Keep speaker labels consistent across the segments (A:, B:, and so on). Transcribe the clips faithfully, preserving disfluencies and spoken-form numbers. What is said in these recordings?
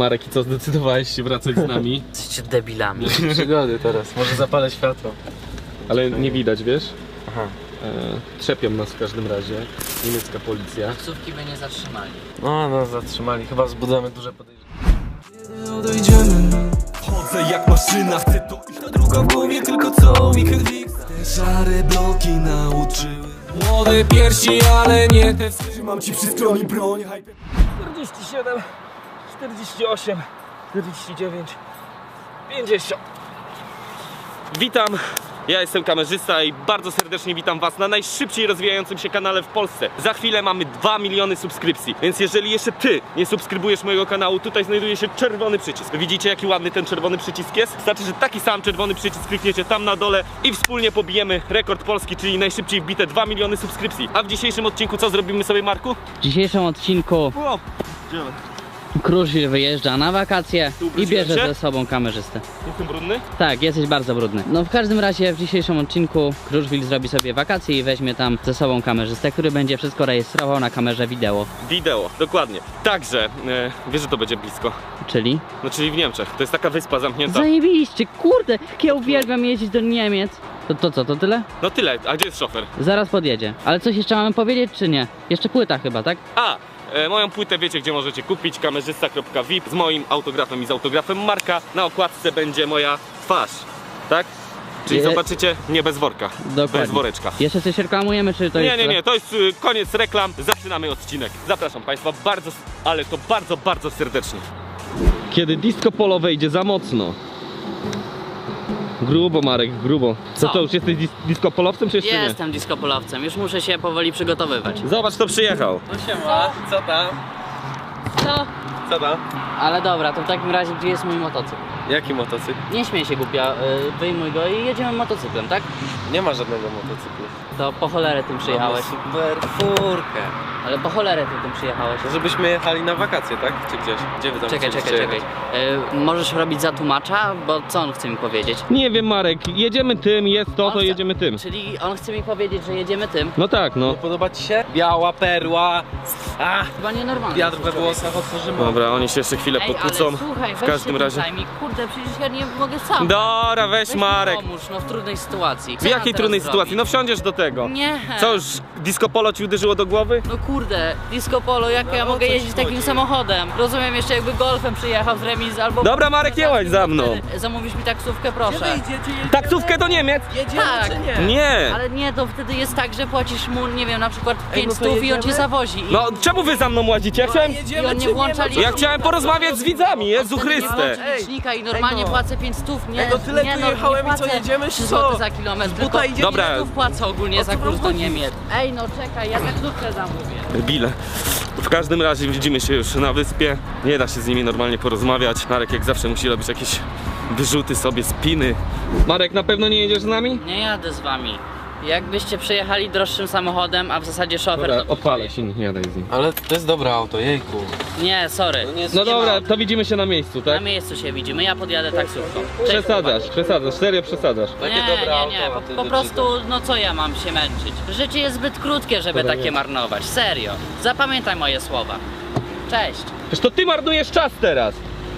A: Marek, i co, zdecydowałeś się wracać z nami?
B: Jesteście debilami.
C: Przygody teraz, może zapalę światło.
A: Ale nie widać, wiesz?
C: Aha.
A: E, trzepią nas w każdym razie. Niemiecka policja.
B: Taksówki by nie zatrzymali.
C: No, no, zatrzymali. Chyba wzbudzamy duże podejrzenie.
D: Odejdziemy. Chodzę jak maszyna, chcę to iść. Ta druga w głowie, tylko co mi krwi. Te szare bloki nauczyły. Młode piersi, ale nie te. Trzymam ci przy skroni broń.
C: czterdzieści siedem, czterdzieści osiem, czterdzieści dziewięć, pięćdziesiąt.
A: Witam! Ja jestem kamerzysta i bardzo serdecznie witam was na najszybciej rozwijającym się kanale w Polsce. Za chwilę mamy dwa miliony subskrypcji, więc jeżeli jeszcze ty nie subskrybujesz mojego kanału, tutaj znajduje się czerwony przycisk. Widzicie, jaki ładny ten czerwony przycisk jest? Znaczy, że taki sam czerwony przycisk klikniecie tam na dole i wspólnie pobijemy rekord Polski, czyli najszybciej wbite dwa miliony subskrypcji. A w dzisiejszym odcinku co zrobimy sobie, Marku?
B: W dzisiejszym odcinku
A: O,
B: Kruszwil wyjeżdża na wakacje
A: Tu
B: i
A: ubrudziłem
B: bierze
A: się?
B: ze sobą kamerzystę.
A: jestem brudny?
B: Tak, jesteś bardzo brudny. No w każdym razie w dzisiejszym odcinku Kruszwil zrobi sobie wakacje i weźmie tam ze sobą kamerzystę, który będzie wszystko rejestrował na kamerze wideo.
A: Wideo, dokładnie. Także, e, wiesz, że to będzie blisko.
B: Czyli?
A: No, czyli w Niemczech. To jest taka wyspa zamknięta.
B: Zajebiście, kurde, jak ja uwielbiam jeździć do Niemiec. To, to co, to tyle?
A: No tyle, a gdzie jest szofer?
B: Zaraz podjedzie. Ale coś jeszcze mamy powiedzieć, czy nie? Jeszcze płyta chyba, tak?
A: A! E, moją płytę wiecie, gdzie możecie kupić, kamerzysta kropka V I P z moim autografem i z autografem Marka. Na okładce będzie moja twarz, tak? Czyli
B: Je...
A: zobaczycie, nie bez worka,
B: Dokładnie.
A: bez woreczka.
B: Jeszcze coś reklamujemy, czy to
A: Nie,
B: jest...
A: nie, nie, to jest y, koniec reklam, zaczynamy odcinek. Zapraszam Państwa bardzo, ale to bardzo, bardzo serdecznie. Kiedy disco polo wejdzie za mocno. Grubo, Marek, grubo.
B: Co?
A: To co, już jesteś dis disco polowcem, czy jeszcze nie?
B: Jestem diskopolowcem, już muszę się powoli przygotowywać.
A: Zobacz, kto przyjechał.
C: No siema, co tam?
B: Co?
C: Co tam?
B: Ale dobra, to w takim razie gdzie jest mój motocykl?
C: Jaki motocykl?
B: Nie śmiej się głupia, yy, wyjmuj go i jedziemy motocyklem, tak?
C: Nie ma żadnego motocyklu.
B: To po cholerę tym przyjechałeś.
C: Mamy super furkę.
B: Ale po cholerę ty tym przyjechałeś.
C: Żebyśmy jechali na wakacje, tak? Czy gdzieś? Gdzie wy tam
B: Czekaj, czekaj,
C: chcieliście
B: czekaj.
C: jechać?
B: Yy, możesz robić za tłumacza? Bo co on chce mi powiedzieć?
A: Nie wiem, Marek, jedziemy tym, jest to,
B: On
A: to
B: chce-
A: jedziemy tym.
B: Czyli on chce mi powiedzieć, że jedziemy tym?
A: No tak, no.
C: Nie podoba ci się? Biała perła. A,
B: Chyba nienormalne.
C: wiatr we włosach otworzymy.
A: Dobra, oni się jeszcze chwilę
B: Ej,
A: pokłócą.
B: ale słuchaj,
A: W
B: weź
A: każdym
B: się tym
A: razie.
B: zajmij. Kurde, przecież ja nie mogę sam.
A: Dobra, weź
B: Weź mi
A: Marek.
B: pomóż, no w trudnej sytuacji. Co
A: W
B: ja
A: jakiej
B: teraz
A: trudnej
B: zrobić?
A: sytuacji? No wsiądziesz do tego.
B: Nie.
A: Co już disco polo ci uderzyło do głowy?
B: No kurde, disco polo, jak ja
C: o
B: mogę
C: co ci
B: jeździć takim
C: chodzi?
B: samochodem? Rozumiem, jeszcze jakby golfem przyjechał z remizy albo...
A: Dobra, Marek, nie łaź za mną.
B: Zamówisz mi taksówkę, proszę.
A: Taksówkę do Niemiec?
C: Jedziemy
B: Tak.
C: czy nie?
A: Nie.
B: Ale nie, to wtedy jest tak, że płacisz mu, nie wiem, na przykład
C: Ej,
B: pięć
C: no to
B: stów i on
C: jedziemy?
B: cię zawozi. I...
A: No, czemu wy za mną łazicie? Ja chciałem...
B: I on nie włącza licznika.
A: Ja chciałem porozmawiać z widzami, Jezu
B: Wtedy nie
A: Chryste.
B: włączy licznika i normalnie
C: Ej, no.
B: płacę pięć stów, nie,
C: Ej, no tyle
B: nie,
C: tu
B: no,
C: jechałem
B: nie
C: i co,
B: płacę
C: jedziemy, czy
B: trzy
C: co?
B: złote za kilometr, tylko
C: buta idzie-
A: Dobra.
B: ile tu wpłacę ogólnie
C: O
B: za
C: co
B: kurs
C: wam
B: do
C: chodzi?
B: Niemiec. Ej, no czekaj, ja taksówkę zamówię.
A: Bile. W każdym razie widzimy się już na wyspie. Nie da się z nimi normalnie porozmawiać. Marek jak zawsze musi robić jakieś wyrzuty sobie, spiny. Marek, na pewno nie jedziesz z nami?
B: Nie jadę z wami. Jakbyście przejechali droższym samochodem, a w zasadzie szofer
A: Dobra,
B: to...
A: odpalę się, nie jadaj z nim.
C: Ale to jest dobre auto, jejku.
B: Nie, sorry.
C: No nie jest-
A: No
B: Nie ma
A: dobra,
B: auta.
A: to widzimy się na miejscu,
B: Na
A: tak?
B: miejscu się widzimy, ja podjadę taksówką. Cześć,
A: Przesadzasz,
B: chłopaki.
A: przesadzasz, serio przesadzasz.
C: Takie
B: Nie,
C: dobre
B: nie,
C: auto,
B: nie,
C: a
B: po,
C: ty
B: po
C: do
B: prostu, no co ja mam się męczyć? Życie jest zbyt krótkie, żeby
A: Dobra,
B: takie
A: nie.
B: marnować, serio. Zapamiętaj moje słowa. Cześć.
A: Przecież to ty marnujesz czas teraz.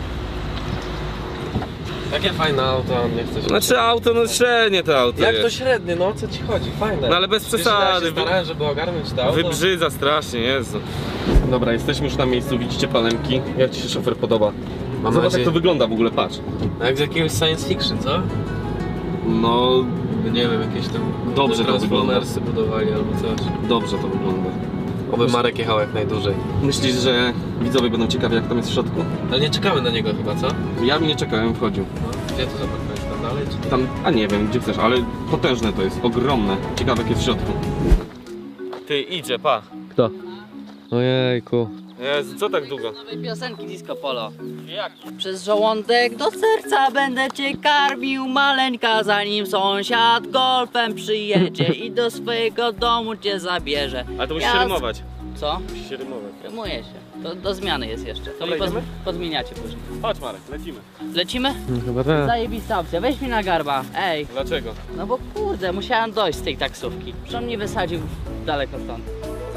C: Takie fajne auto, a on nie chce się.
A: Znaczy auto, no średnie to auto
C: Jak to
A: jest.
C: średnie, no o co ci chodzi? Fajne.
A: No ale bez
C: Wiesz, ile ja
A: przesady,
C: się
A: wy-
C: starałem, żeby ogarnąć to auto.
A: Wybrzydza strasznie, Jezu. Dobra, jesteśmy już na miejscu, widzicie palemki. Jak ci się szofer podoba?
C: Mam
A: Zobacz
C: nadzieję-
A: jak to wygląda w ogóle, patrz.
C: No jak z jakiegoś science fiction, co?
A: No,
C: Nie wiem, jakieś tam
A: Dobrze to
C: Transformersy budowali albo coś.
A: dobrze to wygląda.
C: Oby Marek jechał jak najdłużej.
A: Myślisz, że widzowie będą ciekawi jak tam jest w środku?
C: Ale nie czekamy na niego chyba, co?
A: Ja bym nie czekałem, wchodził.
C: No, gdzie to zaparkowałeś? Tam dalej czy
A: Tam, a nie wiem, gdzie chcesz, ale potężne to jest, ogromne. Ciekawe jak jest w środku. Ty, idzie, pa.
B: Kto?
C: Ojejku.
A: Jezu, co tak długo?
B: Nowej piosenki Disco Polo.
A: Jaki?
B: Przez żołądek do serca będę cię karmił, maleńka, zanim sąsiad golfem przyjedzie i do swojego domu cię zabierze.
A: Ale to musisz
B: Ja
A: się
B: z-
A: rymować.
B: Co?
A: Musisz się rymować.
B: Rymuje się. To do zmiany jest jeszcze. To
A: Dobra,
B: mi poz,
A: idziemy?
B: podmieniacie później.
A: Chodź Marek, lecimy.
B: Lecimy?
C: Chyba tak.
B: Zajebista opcja. Weź mi na garba. Ej.
A: Dlaczego?
B: No bo kurde, musiałem dojść z tej taksówki. Przecież on mnie wysadził daleko stąd.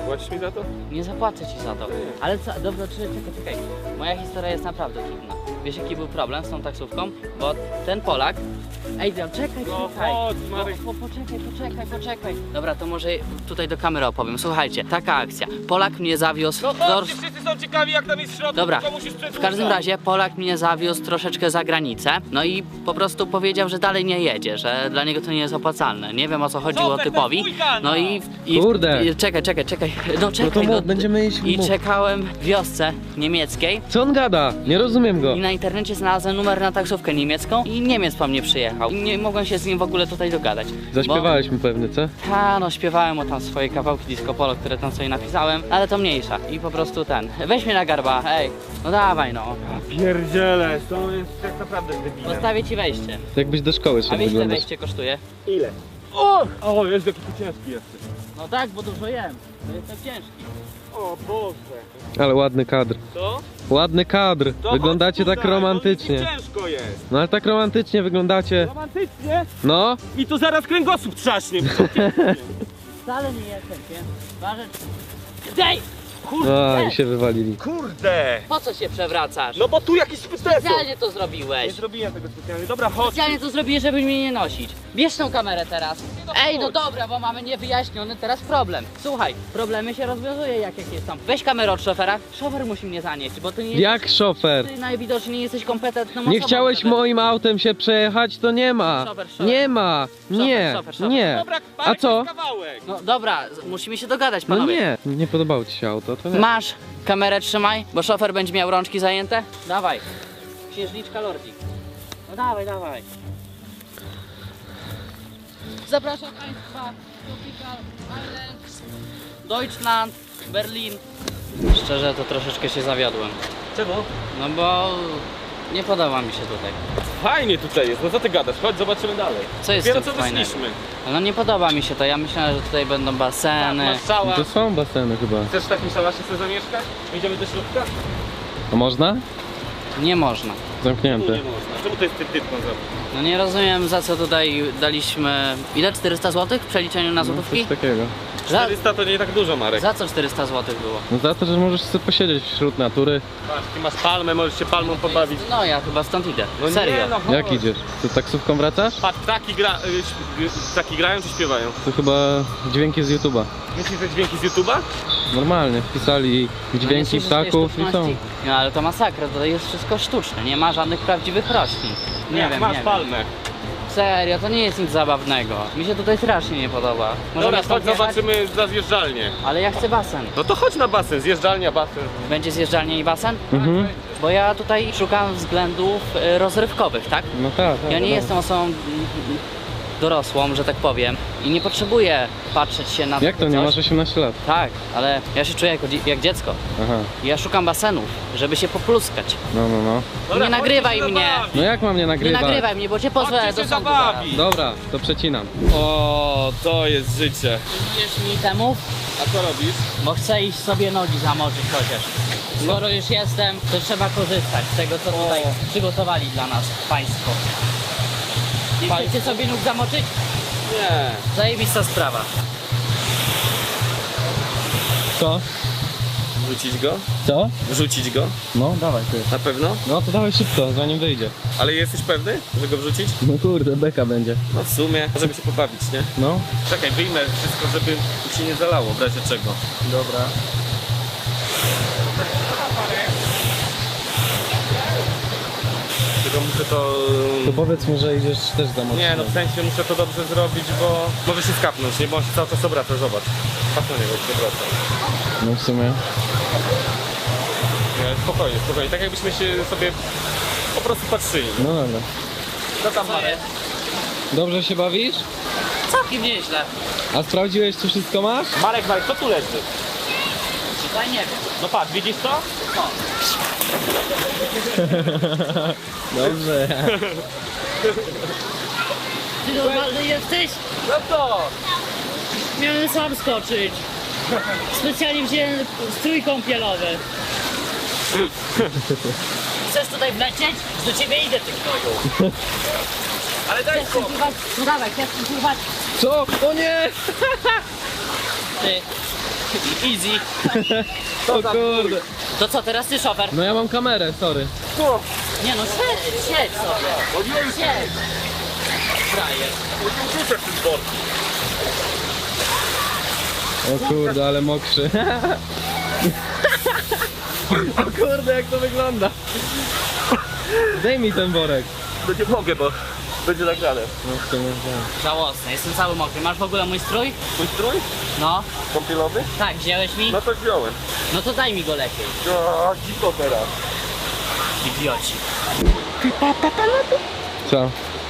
A: Zapłacisz mi za to?
B: Nie zapłacę ci za to. Ale co, dobra, czekaj, czekaj, czekaj. Moja historia jest naprawdę trudna. Wiesz jaki był problem z tą taksówką? Bo ten Polak... Ej, no, czekaj,
A: No
B: czekaj.
A: chodź, Marek.
B: Po, po, poczekaj, poczekaj, poczekaj. Dobra, to może tutaj do kamery opowiem. Słuchajcie, taka akcja. Polak mnie zawiózł...
A: No
B: do...
A: chodźcie, wszyscy są ciekawi jak tam jest w środku,
B: Dobra,
A: tylko musisz
B: w
A: przedłużać.
B: każdym razie Polak mnie zawiózł troszeczkę za granicę, no i po prostu powiedział, że dalej nie jedzie, że dla niego to nie jest opłacalne. Nie wiem o co chodziło
A: Super,
B: typowi.
A: ten wujka, no.
B: No i, i
C: Kurde.
B: i, czekaj, czekaj, czekaj. No
C: No
B: czekaj,
C: to
B: no,
C: mów, będziemy iść
B: I
C: mów.
B: czekałem w wiosce niemieckiej
C: Co on gada? Nie rozumiem go.
B: i na internecie znalazłem numer na taksówkę niemiecką i Niemiec po mnie przyjechał. I nie mogłem się z nim w ogóle tutaj dogadać.
C: Zaśpiewałeś mi pewnie, co?
B: Ha, no śpiewałem mu tam swoje kawałki disco polo, które tam sobie napisałem, ale to mniejsza. I po prostu ten, weź mnie na garba, ej, no dawaj no.
A: Pierdziele, to jest tak naprawdę debilem.
B: Postawię ci wejście.
C: Jakbyś do szkoły
B: A
C: szedł
B: wiesz ile
C: wyglądać.
B: wejście kosztuje?
A: Ile? O! O, jest jaki ty ciężki jesteś.
B: No tak, bo dużo jem. To jestem ciężki.
A: O Boże.
C: Ale ładny kadr.
A: To?
C: Ładny kadr.
A: To
C: Wyglądacie
A: chodź
C: tak
A: tutaj, bo
C: romantycznie.
A: mi ciężko jest.
C: No ale tak romantycznie wyglądacie.
A: Romantycznie?
C: No.
A: I tu zaraz kręgosłup trzaśnie.
B: Wcale nie jestem ciężki. Ważę... Dej! Kurde!
C: A, i się wywalili.
A: Kurde.
B: Po co się przewracasz?
A: No bo tu jakiś spyteso.
B: Specjalnie to
A: Nie
B: zrobiłeś.
A: zrobiłem tego specjalnie. Dobra, chodź.
B: Specjalnie to zrobiłeś, żeby mnie nie nosić. Bierz tą kamerę teraz. Ej, no dobra, bo mamy niewyjaśniony teraz problem. Słuchaj, problemy się rozwiązuje jak jakieś są. Weź kamerę od szofera. Szofer musi mnie zanieść, bo ty nie
C: Jak szofer?
B: Ty najwidoczniej nie jesteś kompetentną
C: Nie
B: osobą,
C: chciałeś
B: żeby-
C: moim autem się przejechać, to nie ma.
B: Szofer, szofer.
C: Nie ma. Nie.
B: szofer, szofer.
C: Nie.
A: Dobra,
C: A
A: Marek,
C: co?
A: jest kawałek.
B: No dobra, z- musimy się dogadać,
C: No
B: panowie.
C: nie. Nie podobało ci się auto, to nie.
B: Masz kamerę, trzymaj, bo szofer będzie miał rączki zajęte. Dawaj. Księżniczka Lordzik. No dawaj, dawaj. Zapraszam Państwa. Tropical Island, Deutschland, Berlin. Szczerze to troszeczkę się zawiodłem.
A: Czemu?
B: No bo nie podoba mi się tutaj.
A: Fajnie tutaj jest, no co ty gadasz? Chodź, zobaczymy dalej.
B: Co jest
A: Dopiero
B: tu
A: co
B: fajnego?
A: wyszliśmy.
B: No nie podoba mi się to. Ja myślałem, że tutaj będą
A: Tak,
B: baseny.
A: masz szała.
C: To są baseny chyba.
A: Chcesz w takim szałasie sobie zamieszkać? Idziemy do środka?
C: A można?
B: Nie można.
A: Tu
C: Zamknięte.
A: nie można. Czemu to jest tytką zrobić?
B: No nie rozumiem za co tutaj daliśmy. Ile? czterysta złotych w przeliczeniu na
C: No,
B: złotówki?
C: coś takiego.
B: Za,
A: czterysta to nie tak dużo, Marek.
B: za co czterysta złotych było?
C: No za to, że możesz sobie posiedzieć wśród natury.
A: Patrz, ty masz palmę, możesz się palmą pobawić.
B: No ja chyba stąd idę.
A: No
B: Serio.
A: nie, no chodź.
C: Jak idziesz? To taksówką wracasz?
A: Patrz, ptaki, gra, y, śp- y, ptaki grają czy śpiewają?
C: To chyba dźwięki z YouTube'a.
A: Myślisz, że dźwięki z YouTube'a?
C: Normalnie wpisali dźwięki
B: Myślisz, że to jest
C: ptaków i są.
B: sztuczności? No ale to masakra, to jest wszystko sztuczne, nie ma żadnych prawdziwych roślin. Nie, wiem,
A: masz
B: nie wiem.
A: palmę.
B: Serio, to nie jest nic zabawnego. Mi się tutaj strasznie nie podoba. Możemy
A: Dobra,
B: stąd
A: chodź,
B: jechać?
A: zobaczymy za zjeżdżalnię.
B: Ale ja chcę basen.
A: No to chodź na basen, zjeżdżalnia, basen.
B: Będzie zjeżdżalnia i basen?
C: Mhm.
B: Bo ja tutaj szukam względów y, rozrywkowych, tak?
C: No tak, tak.
B: Ja nie
C: no.
B: jestem osobą mm, dorosłą, że tak powiem, i nie potrzebuję patrzeć się na
C: Jak to,
B: takie
C: nie
B: coś.
C: masz osiemnastu lat?
B: Tak, ale ja się czuję jako, dzie- jak dziecko.
C: Aha,
B: I ja szukam basenów, żeby się popluskać.
C: no, no, no.
A: Dobra,
B: Nie nagrywaj
A: chodźcie się
B: mnie.
A: zabawić.
C: No jak mam nie
B: Nie
C: nagrywać?
B: nagrywaj mnie, bo cię pozwę
A: Chodźcie
B: do
A: się
B: sądu
A: zabawić.
C: Dobra, to przecinam.
A: O, to jest życie.
B: Pilnujesz mi temu,
A: A co robisz?
B: bo chcę iść sobie nogi zamoczyć chociaż. Skoro już jestem, to trzeba korzystać z tego, co tutaj przygotowali dla nas państwo. Nie chcecie sobie nóg zamoczyć?
A: Nie.
B: Zajebista sprawa.
C: Co?
A: Wrzucić go?
C: Co?
A: Wrzucić go?
C: No, dawaj ty.
A: Na pewno?
C: No to dawaj szybko, zanim wyjdzie.
A: Ale jesteś pewny, że go wrzucić?
C: No kurde, beka będzie.
A: No w sumie, żeby się pobawić, nie?
C: No.
A: Czekaj, wyjmę wszystko, żeby się nie zalało, w razie czego.
C: Dobra.
A: Tylko muszę to...
C: To powiedz mu, że idziesz też za mocno.
A: Nie, no w sensie muszę to dobrze zrobić, bo może się skapnąć, nie? Bo on się cały czas obraca, zobacz. Patrz na niego, jak się obraca.
C: No w sumie.
A: Nie, spokojnie, spokojnie, tak jakbyśmy się sobie po prostu patrzyli.
C: No dobra.
A: Co tam, Marek?
C: Dobrze się bawisz?
B: Całkiem nieźle.
C: A sprawdziłeś, czy wszystko masz?
A: Marek, Marek, co tu leży?
B: Tutaj nie wiem.
A: No patrz, widzisz to?
C: Dobrze.
B: Ty normalny jesteś?
A: No to!
B: Miałem sam skoczyć. Specjalnie wziąłem strój kąpielowy. Chcesz tutaj wlecieć? Do ciebie idę, ty gnoju.
A: Ale daj
B: Chcesz pływać? No dawaj, chcesz pływać?
C: Co? O nie!
B: Ty, Easy.
C: O kurde.
B: To co, teraz ty szofer?
C: No ja mam kamerę, sorry.
B: Nie no, siedź, siedź sobie. Siedź. Frajer.
C: O kurde, ale mokrzy. O kurde, jak to wygląda. Daj mi ten worek.
A: No nie mogę, bo będzie nagrane.
C: No w sumie, tak.
B: Żałosne, jestem cały mokry. Masz w ogóle mój strój?
A: Mój strój?
B: No.
A: Kąpielowy?
B: Tak, wziąłeś mi?
A: No to wziąłem.
B: No to daj mi go lepiej.
A: O, dziko teraz.
B: Idioci.
C: Co?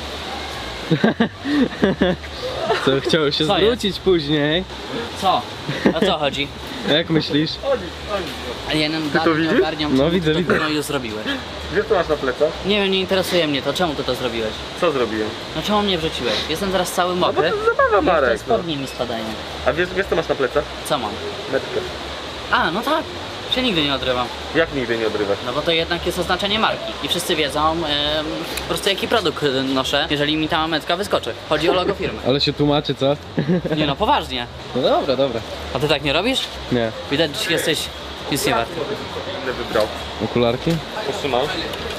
C: Co, chciał się
B: Co
C: zwrócić później?
B: Co? O co chodzi?
C: Jak myślisz?
B: A ja nie,
A: to
B: nie
A: widzisz?
B: ogarniam,
C: No,
B: czemu
C: widzę,
B: ty
C: widzę.
B: to już zrobiłeś.
A: Gdzie to masz na plecach?
B: Nie wiem, nie interesuje mnie to. Czemu ty to zrobiłeś?
A: Co zrobiłem?
B: No czemu mnie wrzuciłeś? Jestem teraz cały
A: No bo
B: mokry.
A: to zabawa,
B: I te
A: Marek. No.
B: spodnie mi spadają.
A: A wiesz, wiesz co masz na plecach?
B: Co mam?
A: Metkę.
B: A, no tak. Się nigdy nie odrywam.
A: Jak nigdy nie odrywasz?
B: No bo to jednak jest oznaczenie marki. I wszyscy wiedzą em, po prostu jaki produkt e, noszę, jeżeli mi ta mametka wyskoczy. Chodzi o logo firmy.
C: Ale się tłumaczy, co?
B: Nie no, poważnie.
C: No dobra, dobra.
B: A ty tak nie robisz?
C: Nie.
B: Widać, że jesteś nic nie wart.
A: Ile wybrał?
C: Okularki?
A: Potrzymał?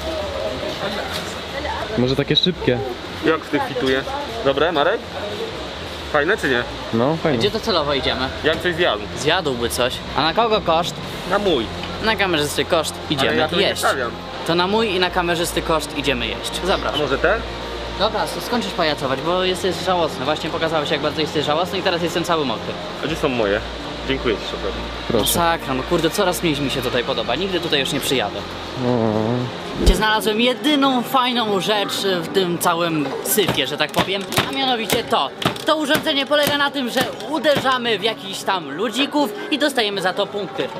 C: Może takie szybkie?
A: Jak w tych fituje? Dobre, Marek? Fajne czy nie?
C: No, fajnie.
B: Gdzie docelowo idziemy?
A: Jak coś zjadł?
B: Zjadłby coś. A na kogo koszt?
A: Na mój.
B: Na kamerzysty koszt
A: Ale
B: idziemy
A: ja to nie
B: jeść.
A: stawiam.
B: To na mój i na kamerzysty koszt idziemy jeść.
A: A
B: Zapraszam.
A: może ten?
B: Dobra, to skończysz pajacować, bo jesteś żałosny. Właśnie pokazałeś, jak bardzo jesteś żałosny i teraz jestem cały mokry.
A: A gdzie są moje? Dziękuję ci, szofer.
C: Proszę.
B: Masakra, no kurde, coraz mniej mi się tutaj podoba. Nigdy tutaj już nie przyjadę.
C: O.
B: Gdzie znalazłem jedyną fajną rzecz w tym całym syfie, że tak powiem, a mianowicie to. To urządzenie polega na tym, że uderzamy w jakichś tam ludzików i dostajemy za to punkty.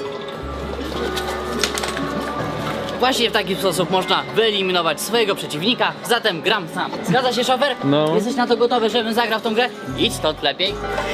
B: Właśnie w taki sposób można wyeliminować swojego przeciwnika, zatem gram sam. Zgadza się, szofer?
C: No.
B: Jesteś na to gotowy, żebym zagrał w tą grę? Idź stąd lepiej.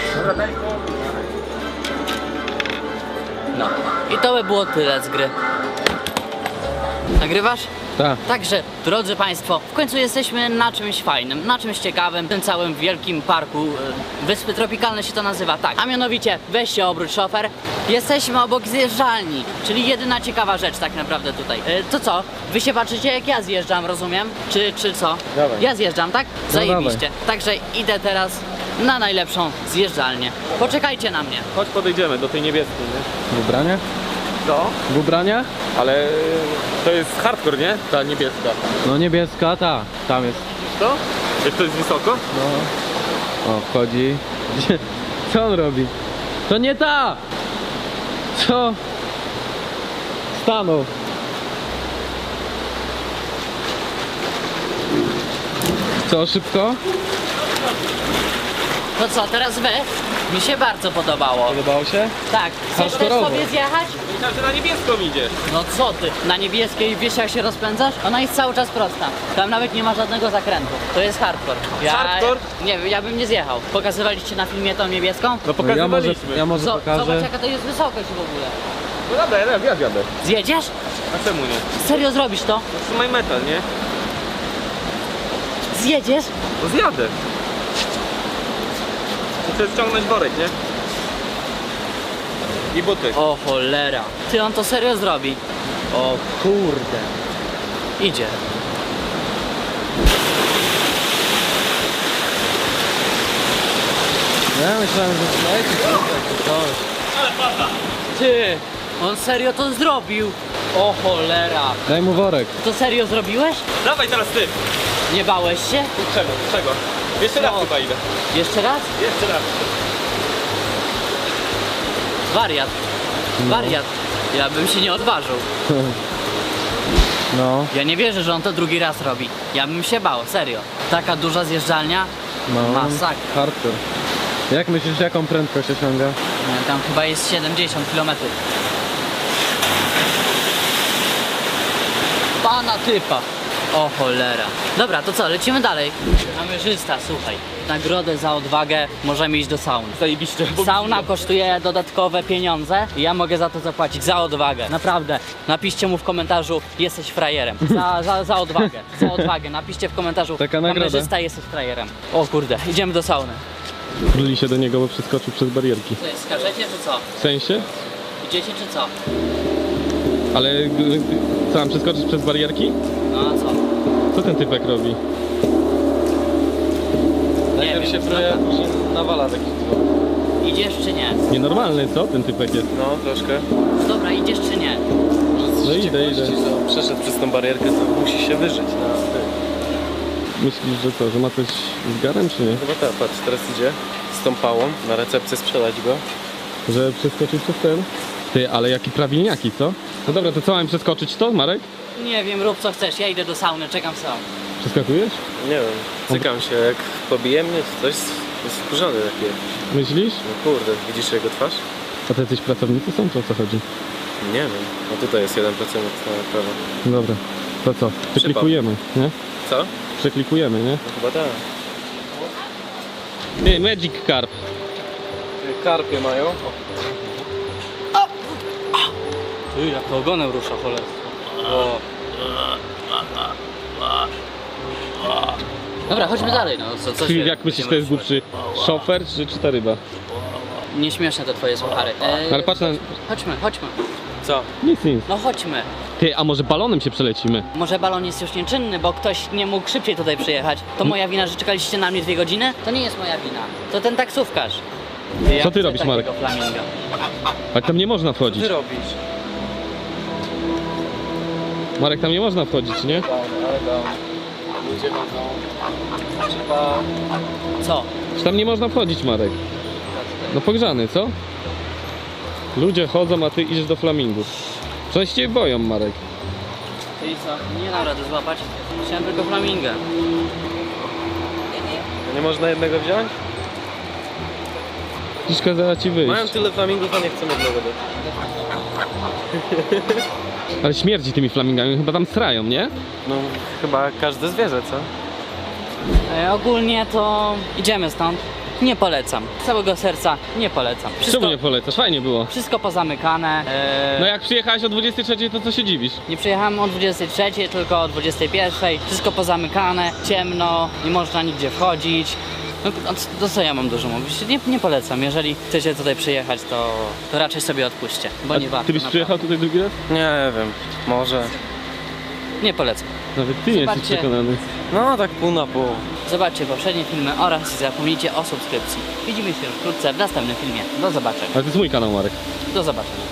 B: No. I to by było tyle z gry. Nagrywasz?
C: Tak.
B: Także, drodzy Państwo, w końcu jesteśmy na czymś fajnym, na czymś ciekawym, w tym całym wielkim parku, e, Wyspy Tropikalne się to nazywa, tak. A mianowicie, weź się obróć, szofer. Jesteśmy obok zjeżdżalni, czyli jedyna ciekawa rzecz tak naprawdę tutaj. E, to co? Wy się patrzycie jak ja zjeżdżam, rozumiem? Czy, czy co?
C: Dawaj.
B: Ja zjeżdżam, tak?
C: No
B: Zajebiście. Także idę teraz na najlepszą zjeżdżalnię. Poczekajcie na mnie.
A: Chodź podejdziemy do tej niebieskiej, nie?
C: W ubraniach?
A: Co?
C: W ubraniach?
A: Ale to jest hardcore, nie? Ta niebieska.
C: No niebieska, ta. Tam jest.
A: Co? Jak to jest wysoko?
C: No. O, wchodzi. Gdzie? Co on robi? To nie ta! Co? Stanął. Co, szybko?
B: To co, teraz wy? Mi się bardzo podobało.
C: Podobało się?
B: Tak, chcesz też
C: Hardkorowo.
B: sobie zjechać?
A: Myślałem, że na niebieską idziesz.
B: No co ty, na niebieskiej wiesz jak się rozpędzasz? Ona jest cały czas prosta. Tam nawet nie ma żadnego zakrętu. To jest hardcore. Ja,
A: Hardcore?
B: Nie wiem, ja bym nie zjechał. Pokazywaliście na filmie tą niebieską?
A: No
C: No ja może,
A: pokazywaliśmy.
C: ja może
B: Co,
C: pokażę.
B: zobacz jaka to jest wysokość w ogóle.
A: No dobra, ja, ja zjadę.
B: Zjedziesz?
A: A czemu nie?
B: Serio zrobisz to?
A: Trzymaj metal, nie?
B: Zjedziesz?
A: No zjadę. Muszę ściągnąć worek, nie? I buty.
B: O cholera. Ty, on to serio zrobi. O kurde. Idzie.
C: Ja myślałem, że słuchajcie, czy coś.
B: Ty, on serio to zrobił. O cholera.
C: Daj mu worek.
B: To serio zrobiłeś?
A: Dawaj teraz ty.
B: Nie bałeś się?
A: Czego? Czego? Jeszcze raz
B: No.
A: chyba idę.
B: Jeszcze raz?
A: Jeszcze raz.
B: Wariat.
C: No.
B: Wariat. Ja bym się nie odważył.
C: No,
B: Ja nie wierzę, że on to drugi raz robi. Ja bym się bał, serio. Taka duża zjeżdżalnia?
C: no.
B: Masakra.
C: Hardcore. Jak myślisz, jaką prędkość osiąga?
B: Nie, tam chyba jest siedemdziesiąt kilometrów. Pana typa. O cholera. Dobra, to co, lecimy dalej. Kamerzysta, słuchaj. Nagrodę za odwagę możemy iść do sauny.
A: Zajebiście. bo-
B: Sauna kosztuje dodatkowe pieniądze i ja mogę za to zapłacić, za odwagę. Naprawdę. Napiszcie mu w komentarzu, jesteś frajerem. Za, za, za odwagę. Za odwagę. Napiszcie w komentarzu,
C: Taka nagroda.
B: kamerzysta, jesteś frajerem. O kurde, idziemy do sauny.
C: Bruli się do niego, bo przeskoczył przez barierki.
B: Co, skaczecie czy co?
C: W sensie?
B: Idziecie czy co?
C: Ale g- co, mam przeskoczyć przez barierki?
B: No a co?
C: Co ten typek robi?
B: Nie wiem, dobra.
E: później nawala takich dwóch.
B: Idziesz czy nie?
C: Nienormalny, co ten typek jest?
E: No, troszkę.
B: Dobra, idziesz czy nie?
C: No idę, idę.
E: No, przeszedł przez tą barierkę, to musi się wyżyć na tym.
C: Myślisz, że co, że ma coś z garem, czy nie?
E: Chyba tak, patrz, teraz idzie z tą pałą na recepcję sprzedać go.
C: Że przeskoczył przez ten? Ty, ale jaki prawilniaki, co? No dobra, to co, mam przeskoczyć to, Marek?
B: Nie wiem, rób co chcesz, ja idę do sauny, czekam w saunie.
C: Przeskakujesz?
E: Nie wiem, cykam się, jak pobije mnie, to coś jest wkurzony taki.
C: Myślisz?
E: No kurde, widzisz jego twarz?
C: A to jacyś pracownicy są, czy o co chodzi?
E: Nie wiem, no tutaj jest jeden procent na prawo.
C: Dobra, to co? Przeklikujemy, nie?
E: Co?
C: Przeklikujemy, nie?
E: No chyba tak.
C: Ty, Magic Carp.
E: Karpie mają.
B: Ty, jak to ogonem rusza cholerstwo. O. Dobra, chodźmy dalej, no co, co się...
C: Jak myślisz, to jest głupszy szofer, czy, czy ta ryba?
B: Nieśmieszne te twoje suchary. Eee,
C: Ale patrz na...
B: Chodźmy, chodźmy.
E: Co?
C: Nic, nic.
B: No chodźmy.
C: Ty, a może balonem się przelecimy?
B: Może balon jest już nieczynny, bo ktoś nie mógł szybciej tutaj przyjechać. To moja wina, że czekaliście na mnie dwie godziny? To nie jest moja wina. To ten taksówkarz. Ja
C: Co ty
B: chcę
C: robisz, Marek?
B: takiego flaminga.
C: Ale tam nie można wchodzić.
E: Ty robisz?
C: Marek, tam nie można wchodzić, nie?
E: Ale tam ludzie chodzą. Trzeba...
B: Co?
C: Czy tam nie można wchodzić, Marek? No pogrzany, co? Ludzie chodzą, a ty idziesz do flamingów. Przecież cię boją, Marek.
B: Czyli co? Nie dam rady złapać. Chciałem tylko flaminga.
E: Nie można jednego wziąć?
C: Dziś kazała ci wyjść.
E: Mają tyle flamingów, a nie chcą jednego dać.
C: Ale śmierdzi tymi flamingami, chyba tam srają, nie?
E: No chyba każde zwierzę, co?
B: E, ogólnie to idziemy stąd. Nie polecam. Z całego serca nie polecam. Wszystko,
C: Czemu nie polecasz? Fajnie było.
B: wszystko pozamykane. E,
C: No jak przyjechałeś o dwudziestej trzeciej, to co się dziwisz?
B: Nie przyjechałem o dwudziestej trzeciej, tylko o dwudziestej pierwszej. Wszystko pozamykane, ciemno, nie można nigdzie wchodzić. No to, to co ja mam dużo mówić? Nie, nie polecam. Jeżeli chcecie tutaj przyjechać, to, to raczej sobie odpuśćcie, bo nie warto.
C: Ty byś
B: naprawdę.
C: przyjechał tutaj drugi raz?
E: Nie wiem, może.
B: Nie polecam.
C: Nawet ty nie jesteś
B: Zobaczcie.
C: przekonany.
E: No tak pół na pół.
B: Zobaczcie poprzednie filmy oraz nie zapomnijcie o subskrypcji. Widzimy się już wkrótce w następnym filmie. Do zobaczenia.
C: Ale to jest mój kanał, Marek.
B: Do zobaczenia.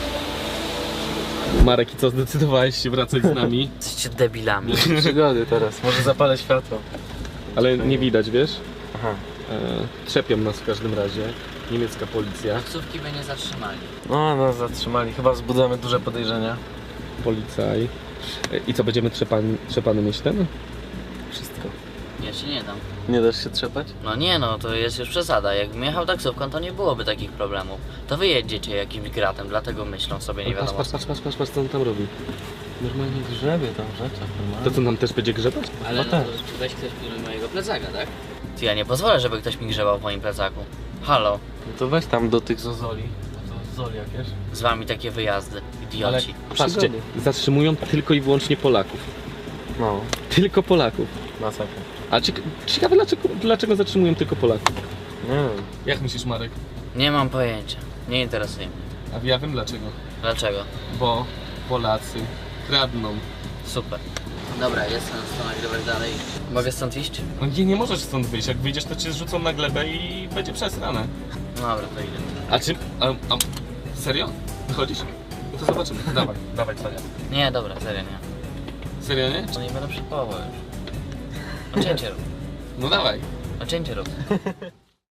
C: Marek, i co, zdecydowałeś się wracać z nami?
B: Jesteście debilami.
E: Przygody teraz, może zapalę światło.
C: Ale nie widać, wiesz?
E: Aha.
C: E, trzepią nas w każdym razie. Niemiecka policja,
B: Taksówki by nie zatrzymali.
E: No, no zatrzymali, chyba wzbudzamy duże podejrzenia.
C: policaj. E, I co, będziemy trzepani, trzepany mieć ten?
E: Wszystko.
B: Ja ci nie dam.
E: Nie dasz się trzepać?
B: No nie no, to jest już przesada. Jakbym jechał taksówką, to nie byłoby takich problemów. To wy jedziecie jakimś gratem, dlatego myślą sobie nie
C: Patrz,
B: wiadomo.
C: patrz, patrz, patrz, patrz, patrz, co on tam robi.
E: Normalnie grzebie tam w rzeczach, normalnie.
C: To co, nam też będzie grzebać?
B: Ale
E: no tak.
B: weź ktoś pilnuj mojego plecaka, tak? Ty, ja nie pozwolę, żeby ktoś mi grzebał w moim plecaku. Halo,
E: No to weź tam do tych zozoli. To zozoli jakieś.
B: z wami takie wyjazdy, idioci.
C: Patrzcie,
E: Przygody.
C: zatrzymują tylko i wyłącznie Polaków.
E: No,
C: Tylko Polaków.
E: masakra.
C: A cieka ciekawe dlaczego, dlaczego zatrzymują tylko Polaków?
E: Nie wiem.
C: Jak myślisz, Marek?
B: Nie mam pojęcia. Nie interesuje mnie.
C: A ja wiem dlaczego.
B: Dlaczego?
C: Bo Polacy kradną.
B: Super. Dobra, jestem, co nagrywać dalej. Mogę stąd iść?
C: No nie, nie możesz stąd wyjść. Jak wyjdziesz, to cię zrzucą na glebę i będzie przesrane.
B: Dobra, to idę.
C: A czy... A, a, serio? Wychodzisz? No to zobaczymy. Dawaj, dawaj, serio.
B: Nie, dobra, serio nie.
C: Serio, nie?
B: To nie będę przypował już. No cięcie rób.
C: No dawaj.
B: No cięcie rób.